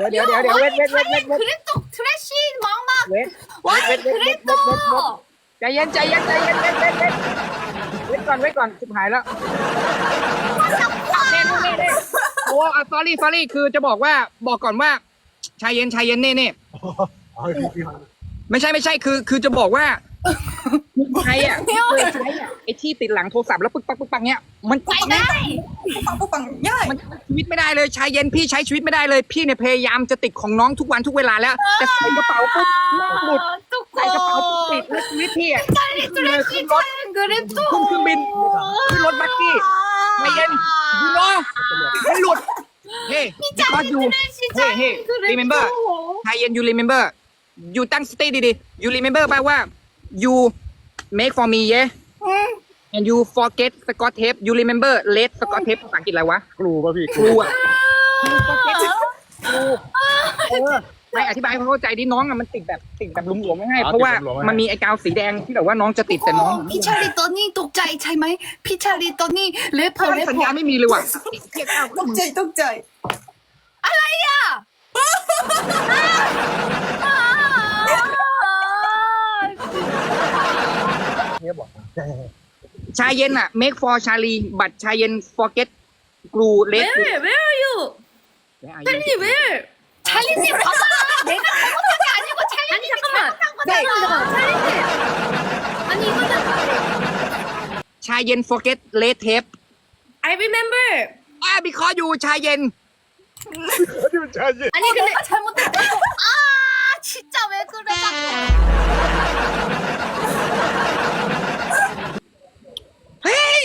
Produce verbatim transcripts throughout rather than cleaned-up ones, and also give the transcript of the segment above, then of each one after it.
เดี๋ยวเดี๋ยวเดี๋ยวเวทเวทเวทเวทเวท 그래도 트래시 막막 เวทเวทเวทเวทเวทเวทเวทเวท ใจเย็นใจเย็นใจเย็นเวทเวทเวทเวทก่อนเวทก่อนชิบหายแล้วเน่เน่เน่เน่โอ้อ่ะ sorry sorry คือจะบอกว่าบอกก่อนว่าชายเย็นชายเย็นเน่เน่ไม่ใช่ไม่ใช่คือคือจะบอกว่าใครอ่ะเคยใช้อ่ะไอ้ที่ติดหลังโทรศัพท์แล้วปึ๊กปักปึ๊กปักเนี้ยมันไปได้ปังปังปังย่ายมันชีวิตไม่ได้เลยชายเย็นพี่ใช้ชีวิตไม่ได้เลยพี่เนี่ยพยายามจะติดของน้องทุกวันทุกเวลาแล้วแต่ใส่กระเป๋าปุ๊บหลุดใส่กระเป๋าปุ๊บติดแล้วชีวิตพี่อ่ะ 찰리 트래시 찰리 그래도 ขึ้นเครื่องบินขึ้นรถบัสกี้ใจเย็นยูโน่มันหลุดเฮ้ because you เฮ้เฮ้ remember ใจเย็น you remember you ตั้งสติดีๆ you remember ป่ะว่า you make for me yeah and you forget Scott tape you remember red Scott tape ภาษาอังกฤษอะไรวะครูป่ะพี่ครูอ่ะ you forget ครูเออไม่อธิบายให้เขาเข้าใจดิน้องอะมันติดแบบติดแบบหลวมๆไม่ให้เพราะว่ามันมีไอ้กาวสีแดงที่แบบว่าน้องจะติดแต่น้องพี่ชาลีตอนนี้ตกใจใช่ไหมพี่ชาลีตอนนี้เลปเปอร์เลปสัญเปอญาร์ไม่มีเลยว่ะตกใจตกใจอะไรอ่ะเนี่ยบอกชายเย็นอะ make for Charlie บัตรชายเย็น forget glue red Where Where are you 찰리 Where 찰리님 봐봐 내가 잘못한 게 아니고 찰리님이 잘못한 거잖아 찰리님 아니 이거는 ชายเย็น forget red tape I remember อ่า because you ชายเย็นที่มันชาเย็น 아니 근데 잘못했다 아 진짜 왜 그래 자꾸 เฮ้ย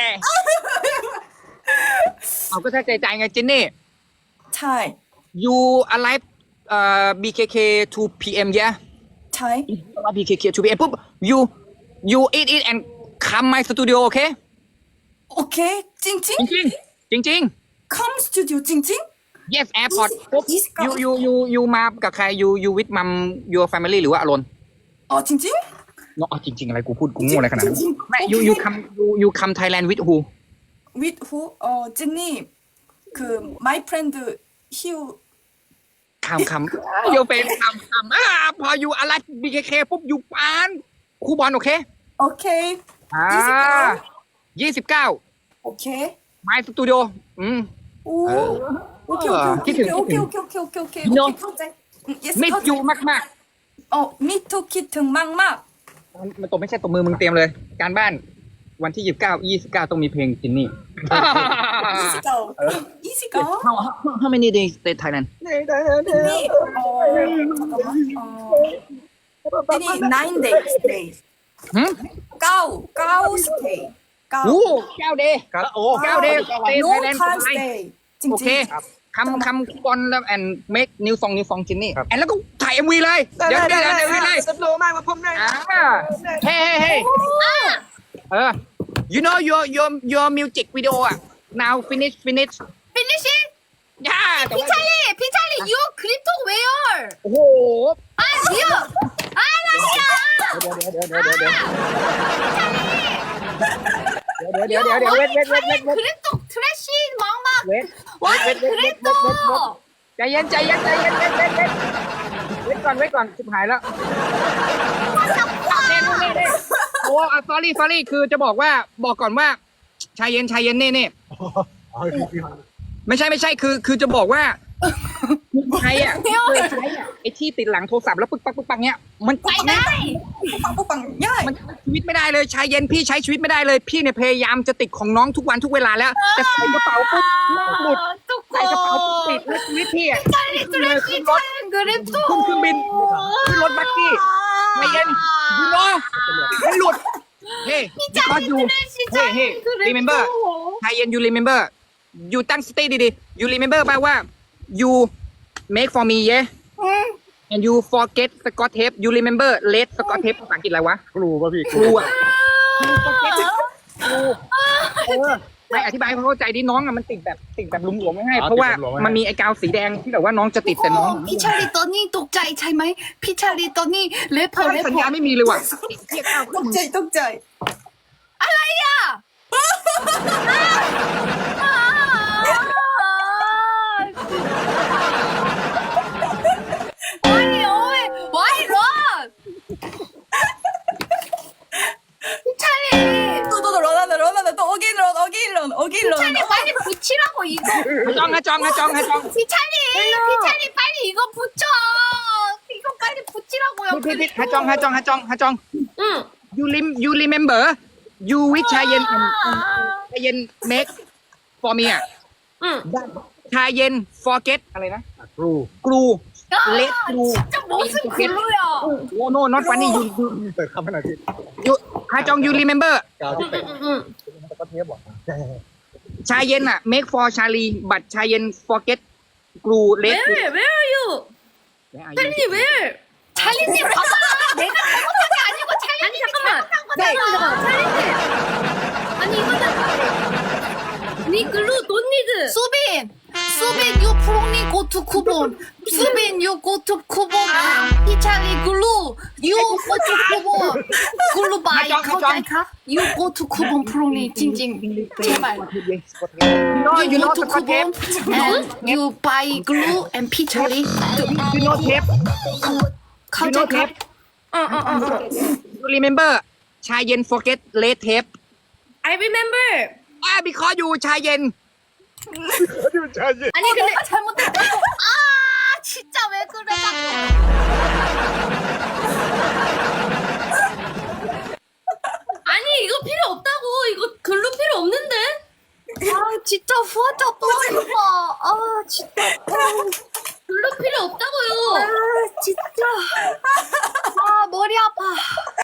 เอาก็ถ้าใจใจไงจินนี่ใช่ you arrive เอ่อ บี เค เค two พี เอ็ม yeah ใช่บี เค เค two พี เอ็ม ปุ๊บ you you eat it and come my studio โอเคโอเคจริงจริงจริงจริงจริง come studio จริงจริงๆ yes airport ปุ๊บ Yes, come. you you you you มากับใคร you you with mom your family หรือว่าอารอนอ๋อจริงจริงเนาะจริงๆอะไรกูพูดกูโง่อะไรขนาดนั้นจริงๆแม่โอเค you you come you you come Thailand with who with who อ๋อเจนนี่คือ my friend Hugh คำคำ you เป็นคำคำอ่าพอ you อะไร บี เค เค ปุ๊บ you ปานครูบอลโอเคโอเคอ่ายี่สิบเก้าโอเค my studio อืมโอ้โอเคเออคิดถึงโอเคโอเคโอเคโอเคโอเค You know เข้าใจ yes มิดเข้าใจยูมากมากอ๋อ me too คิดถึงมากมากๆมันตัวไม่ใช่ตัวมือมึงเตรียมเลย การบ้านวันที่ยี่สิบเก้ายี่สิบเก้าต้องมีเพลงจินนี่ยี่สิบเก้ายี่สิบเก้า how how many days stay Thailand นี่อ๋ออ๋อนี่ nine days days หืมเก้าเก้า stay เก้าโอ้เก้าเดย์โอ้เก้า days stay no Thailand time ไป stay จริงโอๆเคคำคำบอลแล้ว and make new song new song จินนี่แอนแล้วก็ถ่าย เอ็ม วี เลย เดี๋ยวเดี๋ยวเดี๋ยวเดี๋ยวเลยสโลมากมาผมได้อ่าเฮ้เฮ้เฮ้เออ you know your your your music video อ่ะ now finish finish Finishing ย่าแต่พี่ว่าชาลีพี่ชาลี you crypto where โอ้โห 아 you 아 라시야 เดี๋ยวเดี๋ยวเดี๋ยวเดี๋ยวเดี๋ยวเดี๋ยวเดี๋ยวเดี๋ยวเวทเวทเวทเวทเวท 그래도 트래시 막막 เวทเวทเวทเวทเวทเวทเวทใจเย็นใจเย็นใจเย็นเวทเวทเวทเวทก่อนเวทก่อนชิบหายแล้วเน่เน่เน่โอ้อ่ะ sorry sorry คือจะบอกว่าบอกก่อนว่าชายเย็นชายเย็นเน่เน่ไม่ใช่ไม่ใช่คือคือจะบอกว่าใครอ่ะเคยใช้อ่ะไอ้ที่ติดหลังโทรศัพท์แล้วปึ๊กปักปึ๊กปักเนี้ยมันไปได้ปังปังปังย่ายมันชีวิตไม่ได้เลยชายเย็นพี่ใช้ชีวิตไม่ได้เลยพี่เนี่ยพยายามจะติดของน้องทุกวันทุกเวลาแล้วแต่ใส่กระเป๋าปุ๊บหลุดใส่กระเป๋าปุ๊บติดแล้วชีวิตพี่อ่ะ 찰리 트래시 찰리 그래도 ขึ้นเครื่องบินขึ้นรถบัสกี้ใจเย็นยูโน่มันหลุดเฮ้ because you เฮ้เฮ้ remember ชายเย็น you remember you ตั้งสติดีๆ you remember ป่ะว่า you make for me yeah and you forget Scott tape you remember red Scott tape ภาษาอังกฤษอะไรวะครูป่ะพี่ครูอ่ะ you forget ครูเออไม่อธิบายให้เขาเข้าใจดิน้องอะมันติดแบบติดแบบหลวมๆไม่ให้เพราะว่ามันมีไอ้กาวสีแดงที่แบบว่าน้องจะติดแต่น้องพี่ชาลีตอนนี้ตกใจใช่ไหมพี่ชาลีตอนนี้เลปเปอร์เลปสัญเปอญาร์ไม่มีเลยว่ะตกใจตกใจอะไรอ่ะ 여기로 피찰리 빨리 붙이라고 이거. ฮาจองฮาจองฮาจองฮาจอง 피찰리 피찰리 빨리 이거 붙여. 이거 빨리 붙이라고요. พี่พี่ฮาจองฮาจองฮาจองฮาจอง 응. you lim you remember you with ชาเย็น 아. ชาเย็น make for me อ่ะ 응. ชาเย็น forget อะไรนะครูกรู 아, Let go. 진짜 무슨 글루야. โอ้ no not funny you you เปิดคำขนาดที่ you ฮาจอง you remember กาวที่เตะ 응, 응. แต่ก็เทปบอกชาเย็นอ่ะ make for ชาลีบัตชาเย็น forget กรู let Where? Where are you? 찰리님 where? 찰리님 봐봐. 내가 잘못한 게 아니고 찰리님 아니 잠깐만. 네. 잠깐만 잠깐만. 찰리님. 아니 이거는 니 글루 돈 니드. 수빈, 수빈 유 프롱니 고투 쿠본, 수빈 유 고투 쿠본, 피찰리 글루 유 고투 쿠본, 글루 바이 카자이카 유 고투 쿠본 프롱니 징징 제발. you know you 유 know 고투 Scott tape 쿠본 and 유 바이 글루 and 피찰리 you know tape you know 카자이카. tape 어어어. you remember ชาเย็น forget let tape I remember. อ่า because you ชาเย็นที่มันชาเย็น 아니 근데 잘못했다. 아 진짜 왜 그래 자꾸.